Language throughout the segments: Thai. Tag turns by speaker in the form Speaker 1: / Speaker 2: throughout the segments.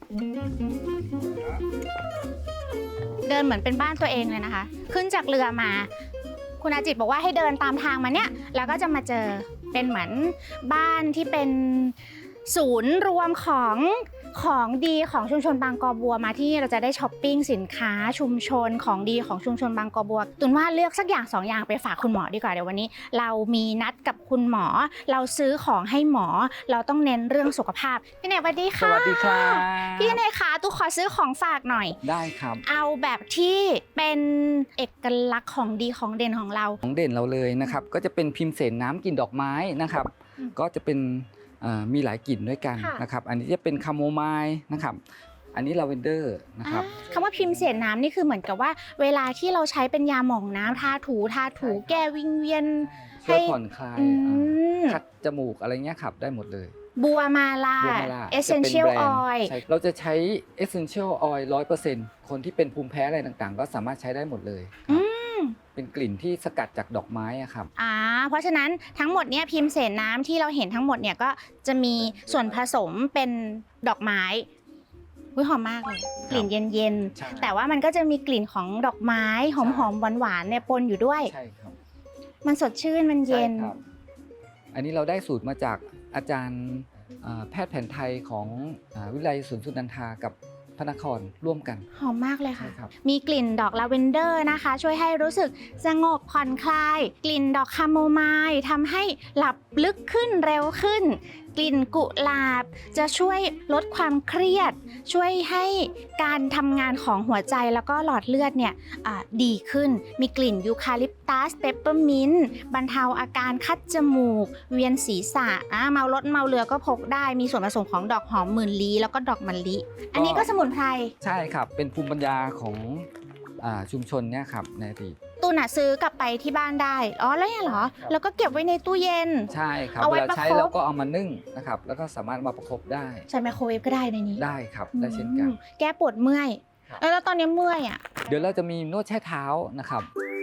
Speaker 1: เดินเหมือนเป็นบ้านตัวเองเลยนะคะ ขึ้นจากเรือมา คุณอาจิตบอกว่าให้เดินตามทางมาเนี่ยแล้วก็จะมาเจอเป็นเหมือนบ้านที่เป็นศูนย์รวมของดีของชุมชนบางกอบัวมาที่เราจะได้ช้อปปิ้งสินค้าชุมชนของดีของชุมชนบางกอบัวตุนว่าเลือกสักอย่าง2 อย่างไปฝากคุณหมอดีกว่าเดี๋ยววันนี้ เรามีนัดกับคุณหมอเราซื้อของให้หมอเราต้องเน้นเรื่องสุขภาพพี่เนยสวัสดีค่ะ
Speaker 2: สวัสดีครับ
Speaker 1: พี่เนยคะตุ๊กขอซื้อของฝากหน่อย
Speaker 2: ได้ครับ
Speaker 1: เอาแบบที่เป็นเอกลักษณ์ของดีของเด่นของเรา
Speaker 2: ของเด่นเราเลยนะครับก็จะเป็นพิมพ์เสนน้ำกลิ่นดอกไม้นะครับก็จะเป็นมีหลายกลิ่นด้วยกันนะครับอันนี้จะเป็นคาโมไมล์นะครับอันนี้ลาเวนเดอร์นะครับ
Speaker 1: คำว่าพิมพ์เสนน้ำนี่คือเหมือนกับว่าเวลาที่เราใช้เป็นยาหม่องน้ำทาถูแก้วิงเวียน
Speaker 2: ช่วยผ่อนคลาย
Speaker 1: ม
Speaker 2: ขัดจมูกอะไรเงี้ยครับได้หมดเลย
Speaker 1: บัวมาลา
Speaker 2: บัวมาลา
Speaker 1: Essential
Speaker 2: จะเป็นแบรนด์
Speaker 1: Oil
Speaker 2: ใช่เราจะใช้ Essential Oil 100%คนที่เป็นภูมิแพ้อะไรต่างๆ ก็สามารถใช้ได้หมดเลยครับเป็นกลิ่นที่สกัดจากดอกไม้อะครับ
Speaker 1: เพราะฉะนั้นทั้งหมดเนี่ยพิมพ์เสนน้ำที่เราเห็นทั้งหมดเนี่ยก็จะมีส่วนผสมเป็นดอกไม้หอมมากเลยกลิ่นเย็น
Speaker 2: ใช่
Speaker 1: ๆแต่ว่ามันก็จะมีกลิ่นของดอกไม้หอมๆหวานๆเนี่ยปนอยู่ด้วย
Speaker 2: ใช่ครับ
Speaker 1: มันสดชื่นมันเย็น
Speaker 2: ใช่ครับอันนี้เราได้สูตรมาจากอาจารย์แพทย์แผนไทยของวิทยาลัยสวนสุนันทากับพระนครร่วมกัน
Speaker 1: หอมมากเลยค่ะ
Speaker 2: ใช่ครับ
Speaker 1: มีกลิ่นดอกลาเวนเดอร์นะคะ ช่วยให้รู้สึกสงบผ่อนคลาย กลิ่นดอกคาโมไมล์ทำให้หลับลึกขึ้นเร็วขึ้น กลิ่นกุหลาบจะช่วยลดความเครียด ช่วยให้การทำงานของหัวใจแล้วก็หลอดเลือดเนี่ยดีขึ้น มีกลิ่นยูคาลิปตัสเปปเปอร์มินต์บรรเทาอาการคัดจมูก เวียนศีรษะเมารถเมาเรือก็พกได้ มีส่วนผสมของดอกหอมหมื่นลี้แล้วก็ดอกมะลิ อันนี้ก็สมุนไพร
Speaker 2: ใช่ครับเป็นภูมิปัญญาของชุมชนเนี่ยครับในอดีต
Speaker 1: ตูนซื้อกลับไปที่บ้านได้แล้วเนี่ยเหรอ แล้วก็เก็บไว้ในตู้เย็น
Speaker 2: ใช่ครับ
Speaker 1: เอาไว้
Speaker 2: เวลาใช้
Speaker 1: ประคบ
Speaker 2: แล้วก็เอามานึ่งนะครับแล้วก็สามารถมาประคบได้
Speaker 1: ใช้ไมโครเวฟก็ได้ในนี้
Speaker 2: ได้ครับได้เช่นกัน
Speaker 1: แก้ปวดเมื่อย
Speaker 2: ครับ
Speaker 1: แล้วตอนนี้เมื่อยอ่ะ
Speaker 2: เดี๋ยวเราจะมีนวดแช่เท้านะครับ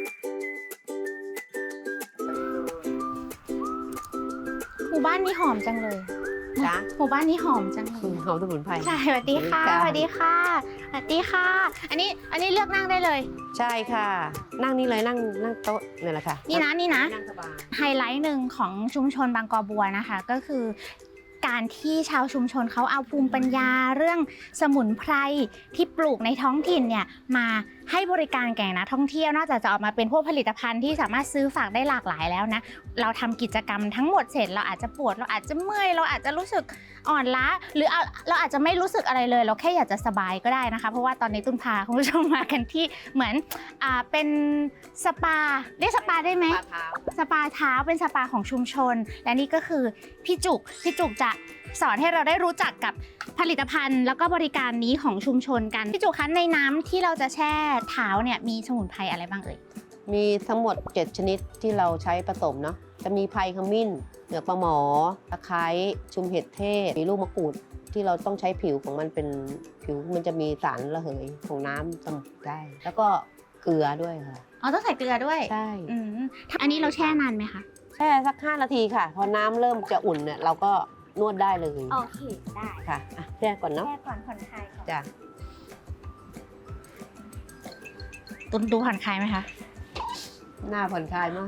Speaker 1: หมู่บ้านนี้หอมจังเลย
Speaker 3: จ๊ะ
Speaker 1: หมู่บ้านนี้หอมจังเลย
Speaker 3: หอมสมุนไพร
Speaker 1: ใช่สวัสดีค่ะ
Speaker 3: ค่ะ
Speaker 1: สวัสดีค่ะสวัสดีค่ะ อันนี้เลือกนั่งได้เลย
Speaker 3: ใช่ค่ะ นั่งนี่เลยนั่งโต๊ะนี่แหละค่ะ
Speaker 1: นี่นะ
Speaker 3: นั่งสบาย
Speaker 1: ไฮไลท์หนึ่งของชุมชนบางกอบัวนะคะ ก็คือการที่ชาวชุมชนเขาเอาภูมิปัญญาเรื่องสมุนไพรที่ปลูกในท้องถิ่นเนี่ยมาให้บริการแก่นักท่องเที่ยวนอกจากจะออกมาเป็นพวกผลิตภัณฑ์ที่สามารถซื้อฝากได้หลากหลายแล้วนะเราทำกิจกรรมทั้งหมดเสร็จเราอาจจะปวดเราอาจจะเมื่อยเราอาจจะรู้สึกอ่อนล้าหรือเราอาจจะไม่รู้สึกอะไรเลย เราแค่อยากจะสบายก็ได้นะคะเพราะว่าตอนนี้ตุ้นพาคุณผู้ชมมากันที่เหมือนเป็นสปาเรียกสปาได้ไหม สปาเท้าเป็นสปาของชุมชน และนี่ก็คือพี่จุกจะสอนให้เราได้รู้จักกับผลิตภัณฑ์ แล้วก็บริการนี้ของชุมชนกันพี่จุกคะในน้ำที่เราจะแช่เท้าเนี่ยมีสมุนไพรอะไรบ้างเอ่ย
Speaker 3: มีทั้งหมด 7 ชนิดที่เราใช้ผสมเนาะจะมีไพรขมิ้นเหลือกปลาหมอตะไคร้ชุมเห็ดเทศมีลูกมะกรูดที่เราต้องใช้ผิวของมันเป็นผิวมันจะมีสารระเหยของน้ำสมุนได้ แล้วก็เกลือด้วยค่ะ
Speaker 1: ต้องใส่เกลือด้วย
Speaker 3: ใช่
Speaker 1: อันนี้เราแช่นานไหมคะ
Speaker 3: แช่สัก 5 นาทีค่ะ พอน้ำเริ่มจะอุ่นเนี่ยเราก็นวดได้เลย
Speaker 1: โอเคได้
Speaker 3: ค่ะอ่ะแช่ก่อนเนาะ
Speaker 1: แช่ก่อนผ่อนคลายก่อน
Speaker 3: จ้ะ
Speaker 1: ตุนดูผ่อนคลายไหมคะ
Speaker 3: หน้าผ่อนคลายมาก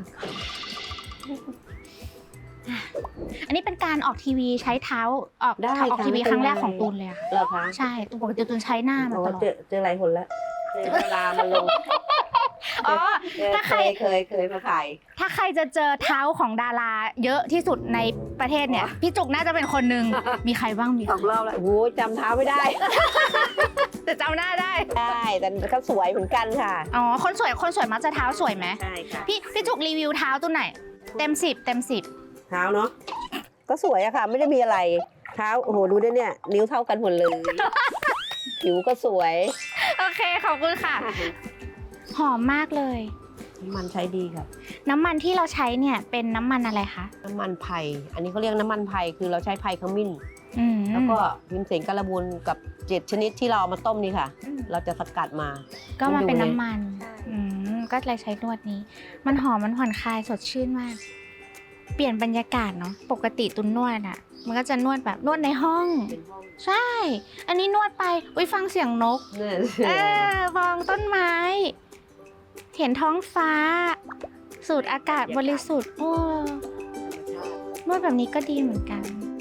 Speaker 1: อันนี้เป็นการออกทีวีใช้เท้าออก
Speaker 3: ได้
Speaker 1: ออก
Speaker 3: ค่ะ
Speaker 1: ทีวี
Speaker 3: ไม่เป็น
Speaker 1: ครั้งแรก
Speaker 3: ไร
Speaker 1: ของตูนเลยอะค่ะ
Speaker 3: เหรอคะ
Speaker 1: ใช่ปกติตูนใช้หน้ามา
Speaker 3: โอ้
Speaker 1: ตลอด
Speaker 3: เจอหลายคนแล้วเวลามันลง
Speaker 1: อ๋อ ถ้าใคร
Speaker 3: เคยมาขาย
Speaker 1: ถ้าใครจะเจอเท้าของดาราเยอะที่สุดในประเทศเนี่ย พี่จุกน่าจะเป็นคนหนึ่ง มีใครบ้างมี
Speaker 3: สองรอบแล้วโอ้โหจำเท้าไม่ได้
Speaker 1: แต่จำหน้าได้
Speaker 3: ได้แต่เขาสวยเหมือนกันค่ะ
Speaker 1: อ๋อ คนสวยมักจะเท้าสวยไหม
Speaker 3: ใช่ค่ะ
Speaker 1: พี่จุกรีวิวเท้าตัวไหนเต็ม 10 เต็ม 10
Speaker 3: เท้าเนาะก็สวยอะค่ะ ไม่ได้มีอะไรเท้าโอ้โหดูด้วยเนี่ย นิ้วเท่ากันหมดเลย ผิวก็สวย
Speaker 1: โอเค ขอบคุณค่ะ หอมมากเลย
Speaker 3: น้ำมันใช้ดีค่ะ
Speaker 1: น้ำมันที่เราใช้เนี่ยเป็นน้ำมันอะไรคะ
Speaker 3: น้ำมันไผ่อันนี้เขาเรียกน้ำมันไผ่คือเราใช้ไผ่ขมิ้น
Speaker 1: อืม
Speaker 3: แล้วก็พิมเสนการบูลกับ7 ชนิดที่เราเอามาต้มนี่ค่ะ เราจะสกัดมา
Speaker 1: ก็มาเป็นน้ำมัน
Speaker 3: ใช่
Speaker 1: ก็เลยใช้นวดนี้ มันหอมมันผ่อนคลายสดชื่นมาก เปลี่ยนบรรยากาศเนาะปกติตุนนวดอะมันก็จะนวดแบบนวดในห้อง
Speaker 3: เป็นห้อง
Speaker 1: ใช่ อันนี้นวดไปอุ้ยฟังเสียงนก
Speaker 3: เนี่ย
Speaker 1: มองต้นไม้ เห็นท้องฟ้า สูดอากาศบริสุทธิ์โอ้นวดแบบนี้ก็ดีเหมือนกัน